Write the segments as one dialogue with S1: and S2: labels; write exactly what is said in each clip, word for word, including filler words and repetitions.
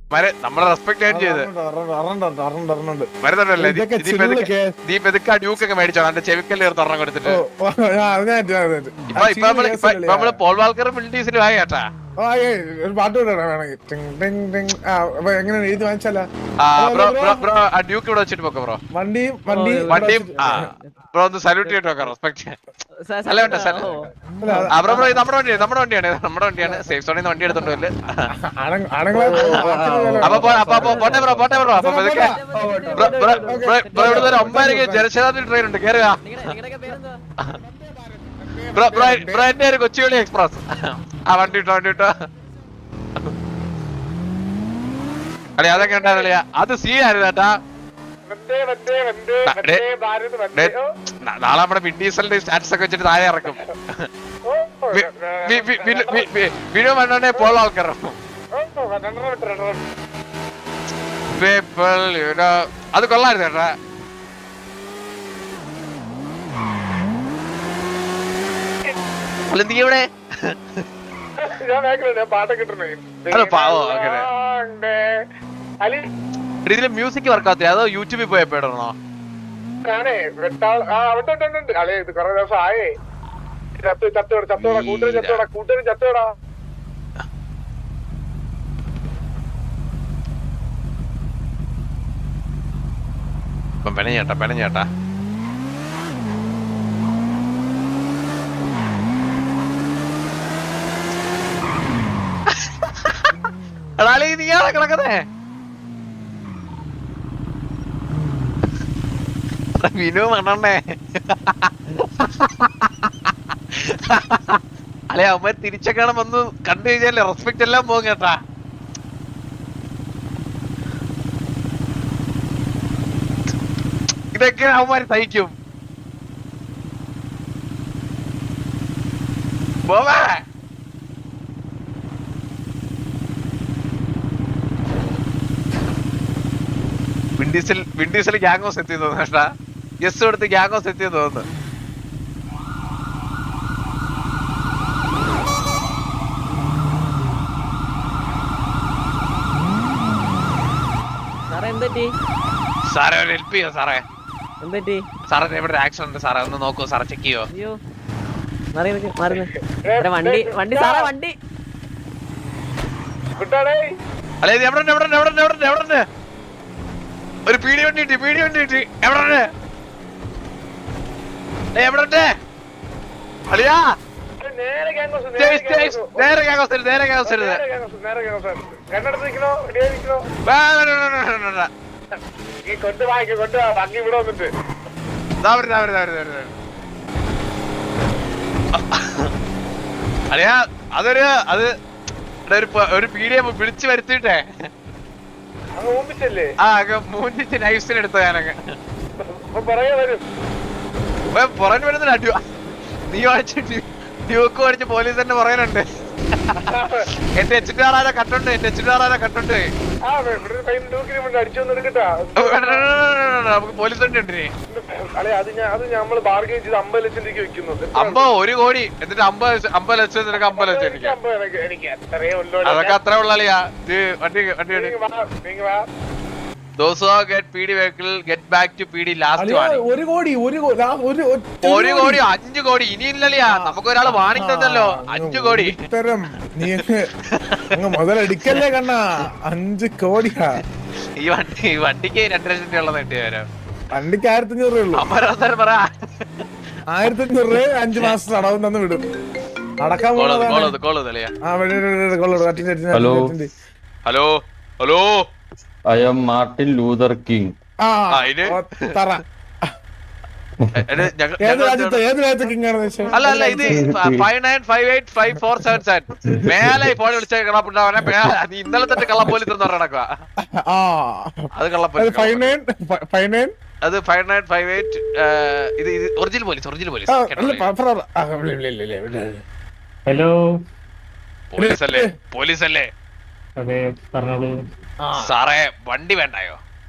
S1: നമ്മളെ റെസ്പെക്ട് ചെയ്ത് വരുന്നുണ്ടല്ലേ നീ പെതുക്കാ ഡ്യൂക്കൊക്കെ മേടിച്ചോ എന്റെ ചെവിക്കല് തുറന്നു കൊടുത്തിട്ട് ഇപ്പൊ നമ്മള് പോൾ വാൾക്കർ മിൽഡീസിലും ആയി കേട്ടാ
S2: ഒരു പാട്ട് എങ്ങനെ എഴുതി വാങ്ങിച്ചാലോ
S1: ഡ്യൂക്ക് ഇവിടെ വെച്ചിട്ട് പോക്കോ ബ്രോ
S2: വണ്ടിയും വണ്ടിയും
S1: വണ്ടിയും ബ്രോ ഒന്ന് സല്യൂട്ട് ചെയ്തിട്ട് നോക്കാം റെസ്പെക്ട് അല്ല വേണ്ട ബ്രോ ബ്രോ ഇത് നമ്മുടെ വണ്ടിയാണ് നമ്മുടെ വണ്ടിയാണ് നമ്മുടെ വണ്ടിയാണ് സേഫ് സോണിൽ നിന്ന് വണ്ടി എടുത്തോണ്ടല്ലേ അപ്പൊ അപ്പൊ പോട്ടെ ബ്രോ പോട്ടെ ബ്രോ അപ്പൊ ബ്രോ ഇവിടെ ഒരു ഒമ്പതരക്ക് ജനശതാബ്ദി ട്രെയിൻ ഉണ്ട് കേറുക ബ്രോ ബ്രോ ബ്രോ എന്റെ ഒരു കൊച്ചുവേളി എക്സ്പ്രസ് ആ വണ്ടി ഇട്ടോ വണ്ടി ഇട്ടോ അല്ലെ അതൊക്കെ ഉണ്ടായിരുന്നില്ല അത് സീ ആയിരുന്നു കേട്ടാ നാളെ നമ്മുടെ വിൻഡീസലിന്റെ സ്റ്റാറ്റസ് ഒക്കെ വെച്ചിട്ട് താഴെ ഇറക്കും വിനു മണ്ണെ പോൾ ആൾക്കാർ അത് കൊള്ളായിരുന്നു ചേട്ടാ നീ ഇവിടെ ഇതില് മ്യൂസിക് വർക്കാത്തില്ല അതോ യൂട്യൂബിൽ പോയപ്പോ ഇടണോ
S2: ഞാനേ അളേ ഇത് കൊറേ ദിവസം ആയേ ചത്തോടാ ചത്തോടാ ചത്തോടാ കൂട്ടരും ചത്തോടാ കൂട്ടരും ചത്തോടാ
S1: പെനഞ്ഞേട്ടാ പെനഞ്ഞേട്ടാ എടാളി നീയാണോ കിടക്കുന്നേ വിനു മണ്ണേ അല്ലെ അവന്മാർ തിരിച്ചൊക്കെ വന്ന് കണ്ടു കഴിഞ്ഞാലേ റെസ്പെക്ട് എല്ലാം പോകും കേട്ടാ ഇതൊക്കെ അവന്മാര് സഹിക്കും പോവാ വിൻഡീസിൽ വിൻഡീസിൽ ഗ്യാങ്ങോസ് എത്തി തോന്നുന്നു കേട്ടാ യെസ് കൊടുത്ത് ഗ്യാങ്ങോസ് എത്തിയെന്ന് തോന്നുന്നു സാറേ ഒരു ഹെൽപ്പ് ചെയ്യോ സാറേ സാറേ ഇവിടെ ആക്സിഡന്റ് ഉണ്ട് സാറേ ഒന്ന് നോക്കൂ സാറേ ചെക്ക് ചെയ്യോ
S3: വണ്ടി വണ്ടി സാറേ വണ്ടി
S1: അല്ലെ എവിടെ എവിടെ എവിടെ എവിടെ എവിടെ ഒരു പീടി വണ്ടി കിട്ടി പീടി വണ്ടി കിട്ടി എവിടെ എവിടെ അളിയാ നേരെ ഗ്യാങ്ങോസ് നേരെ ഗ്യാങ്ങോസ് അളിയാ അതൊരു അത് ഒരു പീഡിയെ വിളിച്ചു വരുത്തിട്ടേ ആ മൂന്നിച്ച് നൈഫ്സിന് എടുത്ത ഞാനങ്ങ് പുറകെ വരുന്നില്ല അടി നീ വായിച്ച് ഡ്യൂക്ക് പഠിച്ച് പോലീസ് തന്നെ പറയാനുണ്ട് എന്റെ എച്ചിട്ട് ആറാര കട്ടുണ്ട് എന്റെ എച്ചിട്ട് ആറാര കട്ടുണ്ട് നമുക്ക് പോലീസ് വണ്ടി ഉണ്ട് അമ്പോ ഒരു കോടി എന്നിട്ട് അമ്പത് അമ്പത് ലക്ഷം നിനക്ക് അമ്പത് ലക്ഷം എനിക്ക് അതൊക്കെ അത്ര ഉള്ളിയാ വണ്ടി വണ്ടി Those who get P D vehicle get back to P D last warning.
S2: ഒരു കോടി ഒരു
S1: ഒരു കോടി അഞ്ചു കോടി ഇനിയില്ലല്ലയാ നമുക്ക് ഒരാള് വാണിംഗ് തന്നല്ലോ അഞ്ചു കോടി
S2: തരം നീ അങ്ങ് മുതലടിക്കല്ലേ കണ്ണാ അഞ്ചു കോടിയാ
S1: ഈ വണ്ടി ഈ വണ്ടിക്ക് രണ്ടു ലക്ഷം രൂപ ഉള്ളത് കിട്ടിയ വരാം
S2: വണ്ടിക്ക് ആയിരത്തി അഞ്ഞൂറ് രൂപ
S1: അമരാവതാരം പറ
S2: ആയിരത്തി അഞ്ഞൂറ് രൂപ അഞ്ചു മാസത്തെ അടവും തന്നു വിടും നടക്കാൻ
S1: hello hello hello
S4: I am Martin Luther King.
S1: അല്ല അല്ല ഇത് five nine five eight five four seven seven മേലെ ഫോൺ വിളിച്ച കള്ളപ്പുണ്ടാവനെ നീ ഇന്നലെ തന്നെ കള്ളപ്പോലീസ് എന്ന് നടക്കുക അത് കള്ളപ്പോലീസ് അത് ഫൈവ് നയൻ ഫൈവ് എയ്റ്റ് ഇത് ഇത് original police original police
S5: hello
S1: police അല്ലേ പോലീസ് അല്ലേ സാറേ വണ്ടി വേണ്ടായോ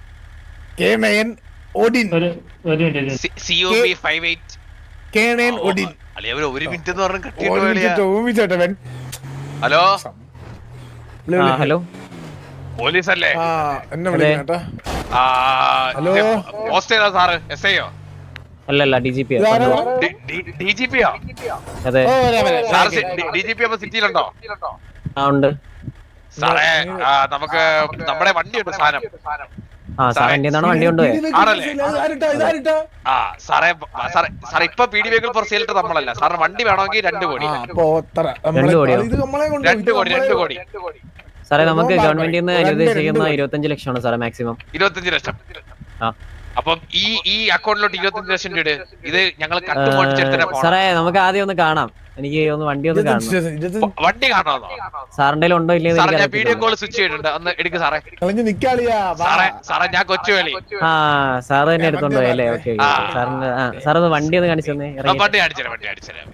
S1: ഒരു മിനിറ്റ് എന്ന് പറഞ്ഞ
S3: ഹലോ ഹലോ
S1: പോലീസ് അല്ലേ?
S2: ആ എന്നെ വിളിക്കണേട്ടാ. ഹലോ
S1: പോസ്റ്റേതാ സാറ്? എസ് ഐയോ?
S3: അല്ലല്ല D G P
S1: D G പിയോ?
S3: അതെ
S1: സാർ ഡി ജി പി അപ്പൊ സിറ്റിയിലുണ്ടോ?
S3: ആ ഉണ്ട്.
S1: സാറേ നമുക്ക് നമ്മുടെ വണ്ടിയുണ്ട് സാധനം.
S3: ആ സാർ എന്റെ വണ്ടി കൊണ്ടുപോയി
S1: ആണല്ലേ? ആ സാറേ സാറേ സാറേ ഇപ്പൊ P D vehicle for sale നമ്മളല്ല സാറിന് വണ്ടി വേണമെങ്കിൽ രണ്ട് കോടി.
S3: രണ്ട് കോടിയോ?
S1: രണ്ട് കോടി രണ്ട് കോടി
S3: സാറേ നമുക്ക് ഗവൺമെന്റിൽ നിന്ന് അനുവദിച്ചിരിക്കുന്ന ഇരുപത്തഞ്ച് ലക്ഷമാണ് സാറേ മാക്സിമം.
S1: ഇരുപത്തഞ്ച് ലക്ഷം.
S3: ആ
S1: അപ്പം ഈ ഈ അക്കൗണ്ടിലോട്ട് ഇരുപത്തഞ്ച് ലക്ഷം രൂപ ഇത് ഞങ്ങൾ കട്ടുമോടിച്ചെടുത്തിട്ട്
S3: സാറേ നമുക്ക് ആദ്യം ഒന്ന് കാണാം. എനിക്ക് ഒന്ന് വണ്ടി ഒന്ന് കാണണം.
S1: വണ്ടി കാണാമോ
S3: സാറിന്റെ ഉണ്ടോ ഇല്ലേ?
S1: ഞാൻ വീഡിയോ കോൾ സ്വിച്ച് ചെയ്തിട്ടുണ്ട്. ഒന്ന് എടുക്ക് സാറേ. സാറേ സാറേ ഞാൻ കൊച്ചുവേളി.
S3: ആ സാറ് തന്നെ എടുത്തോണ്ട് പോയി അല്ലേ? ഓക്കെ സാറിന്റെ ആ സാറൊന്ന് വണ്ടി ഒന്ന് കാണിച്ചു തന്നെ.
S1: വണ്ടി കാണിച്ചുതരാം വണ്ടി കാണിച്ചുതരാം.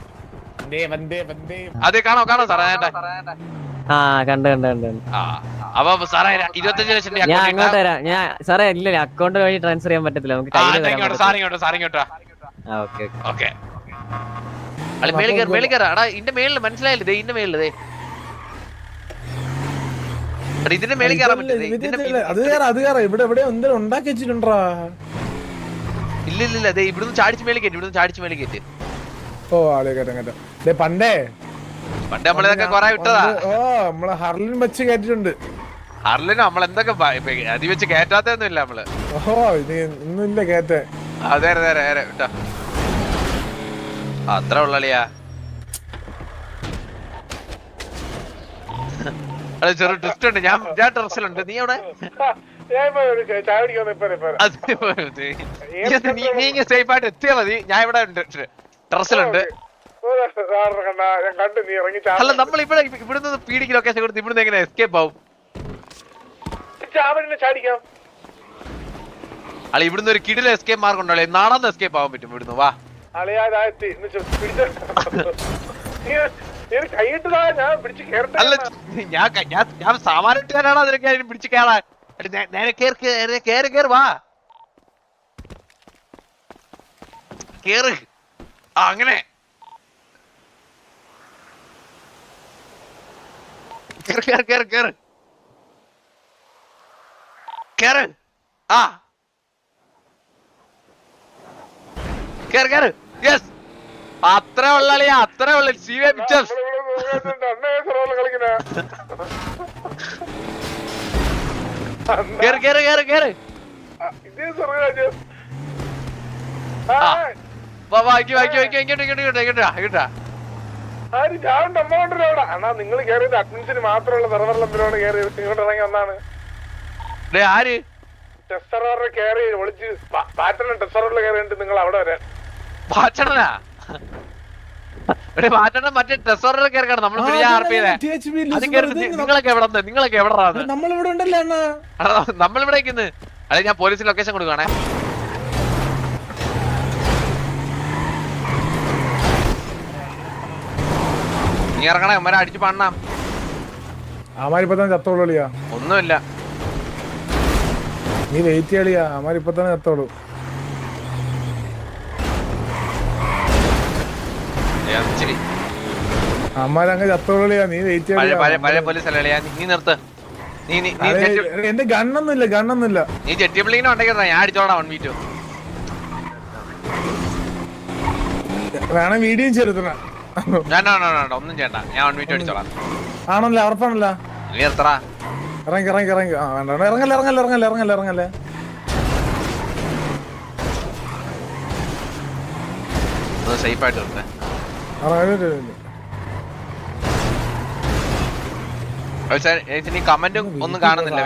S1: അതെ കാണോ കാണോ സാറേ.
S3: ആ കണ്ട് കണ്ട് കണ്ട്
S1: ആ അപ്പൊ സാറേ ഇരുപത്തഞ്ച് ലക്ഷം
S3: ഞാൻ അങ്ങോട്ട് തരാം. ഞാൻ സാറേ ഇല്ല അക്കൗണ്ട് വഴി ട്രാൻസ്ഫർ ചെയ്യാൻ പറ്റത്തില്ല. നമുക്ക്
S1: സാറിങ്ങോട്ടോ സാറിങ്ങോട്ടോ.
S3: ഓക്കെ
S1: ഓക്കെ മേളിൽ കയറി മേളിൽ കയറാ. എടാ ഇതിന്റെ മേളില് മനസ്സിലായില്ലേ? ഇതിന്റെ മേളില് ദേ ഇതിന്റെ മേളിൽ കയറാൻ പറ്റില്ല. ഇല്ല ഇല്ല ഇല്ല ഇവിടുന്ന് ചാടിച്ച് മേളിൽ കയറ്റി. ഇവിടുന്ന് ചാടിച്ച് മേളിൽ കയറ്റി.
S2: ഓ ആളെ കേട്ടോ പണ്ടേ
S1: പണ്ട് നമ്മളിതൊക്കെ കൊറേ വിട്ടതാ.
S2: ഓ നമ്മള് ഹർലിൻ വെച്ച് കേട്ടിട്ടുണ്ട്.
S1: ഹർലിന് നമ്മളെന്തൊക്കെ അതി വെച്ച് കേറ്റാത്തൊന്നും ഇല്ല നമ്മള്.
S2: ഓഹോ ഇത് ഒന്നുമില്ല കേറ്റേ.
S1: അതെ അതെ അതെ വിട്ടോ അത്ര ഉള്ളിയാ. അത് ചെറു ട്വിസ്റ്റ് ഉണ്ട്. ഞാൻ ഞാൻ ടെറസിലുണ്ട്. നീ അവിടെ നീ ഇങ്ങനെ സേഫ് ആയിട്ട് എത്തിയാ മതി. ഞാൻ ഇവിടെ ഉണ്ട് ടെറസിലുണ്ട്. അല്ല നമ്മൾ ഇവിടെ ഇവിടുന്ന് പീഡിക്ക് ലൊക്കേഷൻ കൊടുത്ത് ഇവിടുന്ന് എങ്ങനെ എസ്കേപ്പ് ആവും? അല്ല ഇവിടുന്ന് ഒരു കിടില എസ്കേപ്പ് മാർഗം ഉണ്ടല്ലേ? നാളെ എസ്കേപ്പ് ആവാൻ പറ്റും ഇവിടുന്ന്. വാ അല്ല ഞാൻ ഞാൻ സാമാന്യക്കാരാണോ അതിനൊക്കെ പിടിച്ച് കയറാൻ? നേരെ കേറി കേറി കേറി വാ കേറ്. ആ അങ്ങനെ കേറ് കേറ് കേറ് കേറ് കേറ്. ആ കേറ് കേറ്. യെസ് അത്ര ഉള്ളിയാ അത്ര ഉള്ള സി വി പിക്ചേഴ്സ്. കേറ് കേറ് കേറ് കേറ്.
S2: നിങ്ങൾ കയറിയത് അഡ്മിൻസിന് മാത്രമുള്ള സെർവറിലെന്തിനാണ് കയറി ഇങ്ങോട്ട് ഇറങ്ങി വന്നാണ്.
S1: ആര്
S2: ടെസ്റ്ററോറിൽ കയറി ഒളിച്ച് പാറ്റൺ ടെസ്റ്ററോറിൽ കയറിയിട്ട് നിങ്ങൾ അവിടെ വരാൻ
S1: പാച്ചണനാ പാറ്റണ മറ്റേ ടെസ്റ്ററോറിൽ കയറി നമ്മൾ നിങ്ങളൊക്കെ എവിടെ നിങ്ങളൊക്കെ എവിടെ
S2: നമ്മളിവിടെ ഉണ്ടല്ലോ
S1: നമ്മളിവിടെ അതെ ഞാൻ പോലീസിന് ലൊക്കേഷൻ കൊടുക്കുകയാണേ. നീ ഇറങ്ങണേ അമ്മരെ അടിച്ചു പണ്ണാം.
S2: അമാരിപ്പത്തന്നെ ചത്തോളിയാ
S1: ഒന്നുമില്ല
S2: നീ വെയിറ്റ് ചെയ്യളിയാ. അമാരിപ്പത്തന്നെ ചത്തോളൂ. അമ്മാരങ്ങ് ചത്തോളിയാ. നീ വെയിറ്റ് ചെയ്യ.
S1: പഴയ പോലീസ് അല്ലേ? നീ നിർത്ത്.
S2: എന്റെ ഗണ്ണൊന്നുമില്ല ഗണ്ണൊന്നുമില്ല.
S1: നീ ജെറ്റി ബിൽഡിങ്ങിനെ ഉണ്ടെങ്കിൽ ഞാൻ അടിച്ചോളാം. വൺ മീറ്റോ
S2: വേണം വീഡിയോ ചെറുത്തണ.
S1: ഒന്നും ചെയ്യണ്ട. ഞാൻ വൺ മീറ്റോ അടിച്ചോളാം.
S2: ആണല്ലേ? ഉറപ്പാണല്ലോ?
S1: നീ നിർത്തടാ.
S2: ഇറങ്ങി ഇറങ്ങി ഇറങ്ങി. ആ വേണ്ട ഇറങ്ങല്ലേ ഇറങ്ങല്ലേ ഇറങ്ങല്ലേ ഇറങ്ങല്ലേ ഇറങ്ങല്ലേ.
S1: സേഫ് ആയിട്ട് നിർത്തേ. കമന്റും ഒന്നും കാണുന്നില്ല.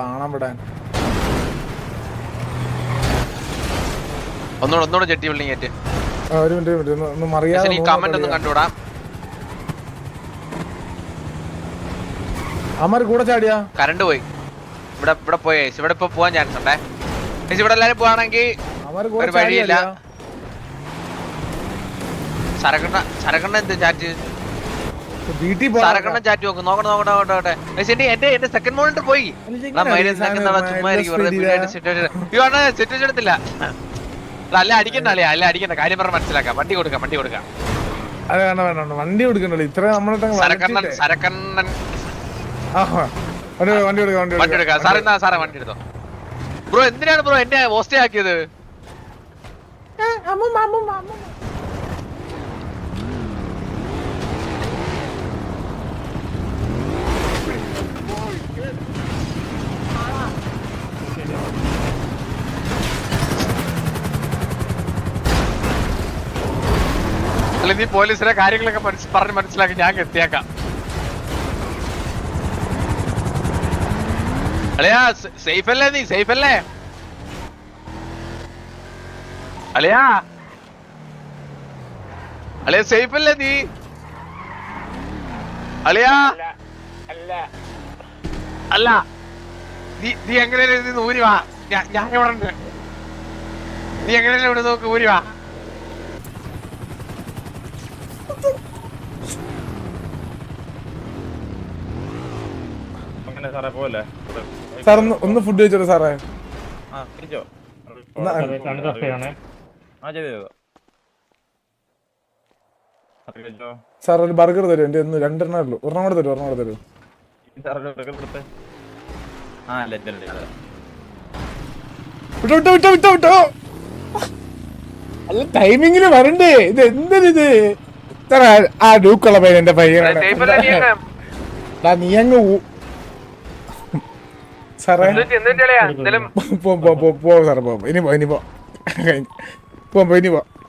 S1: ഒന്നുകൂടെ ഒന്നുകൂടെ ജെട്ടി ബിൽഡിംഗ് ആയിട്ട് കമന്റ് ഒന്നും കണ്ടുകൂടാ.
S2: അമ്മര് കൂടെ ചാടിയാ
S1: കറണ്ട് പോയി. ഇവിടെ ഇവിടെ പോയേ ഇവിടെ ഇപ്പൊ പോവാൻ ചാൻസ് ഉണ്ടേ. ഇവിടെ എല്ലാരും പോവാണെങ്കിൽ ഒരു വഴിയില്ല. സരക്കണ്ണ സരക്കണ്ണ എന്ത് ചാറ്റ് സരക്കണ്ണ ചാറ്റ് നോക്കും. നോക്കട്ടെ നോക്കട്ടെ നോക്കട്ടെ. എന്റെ എന്റെ സെക്കൻഡ് മോണിറ്റർ പോയി. സിറ്റുവേഷൻ എടുത്തില്ല. അല്ല അടിക്കണ്ട അല്ലേ? അല്ല അടിക്കണ്ട. കാര്യം പറഞ്ഞ മനസ്സിലാക്കാം. വണ്ടി കൊടുക്കാം വണ്ടി കൊടുക്കാം.
S2: വണ്ടി കൊടുക്കണ്ടല്ലോ. ഇത്ര നമ്മളെ
S1: സരക്കണ്ണൻ സരക്കണ്ണൻ
S2: വണ്ടി വണ്ടി എടുക്കാം വണ്ടി
S1: വണ്ടി എടുക്കാം സാർ എന്നാ സാറേ വണ്ടി എടുത്തോ ബ്രോ എന്തിനാണ് ബ്രോ എന്നെ പോസ്റ്റേ ആക്കിയത് അല്ല നീ പോലീസിലെ കാര്യങ്ങളൊക്കെ പറഞ്ഞ് മനസ്സിലാക്കി ഞാൻ എത്തിയേക്കാം അല്ലയാ സേഫ് അല്ലേ നീ സേഫ് അല്ലേ അല്ലയാ അല്ലയാ സേഫ് അല്ലേ നീ അല്ലയാ അല്ല നീ നീ എങ്ങനെയല്ലേ നീ ഊരി വാ ഞാൻ ഇവിടെ ഉണ്ട് നീ എങ്ങനെയല്ലേ ഇവിടെ നോക്ക് ഊരി വാ
S2: സാർ ഒന്ന് ഒന്ന് ഫുഡ് കഴിച്ചോളൂ സാറേ സാർ ഒരു ബർഗർ തരും എന്റെ ഒന്ന് രണ്ടെണ്ണേ ഉള്ളൂ ഒരെണ്ണം കൂടെ തരും ഒരെണ്ണം കൂടെ തരും വിട്ടോ വിട്ടോ വിട്ടോ വിട്ടോ വിട്ടോ അല്ല ടൈമിങ്ങില് വരണ്ടേ ഇത് എന്തിനിത് സാറേ ആ ഡൂക്കുള്ള പയ്യൻ എന്റെ പയ്യനാണ് നീ അങ്ങ് സാറേ പോ പോ പോ സാറേ പോ ഇനി പോ ഇനി പോ പോ ഇനി പോ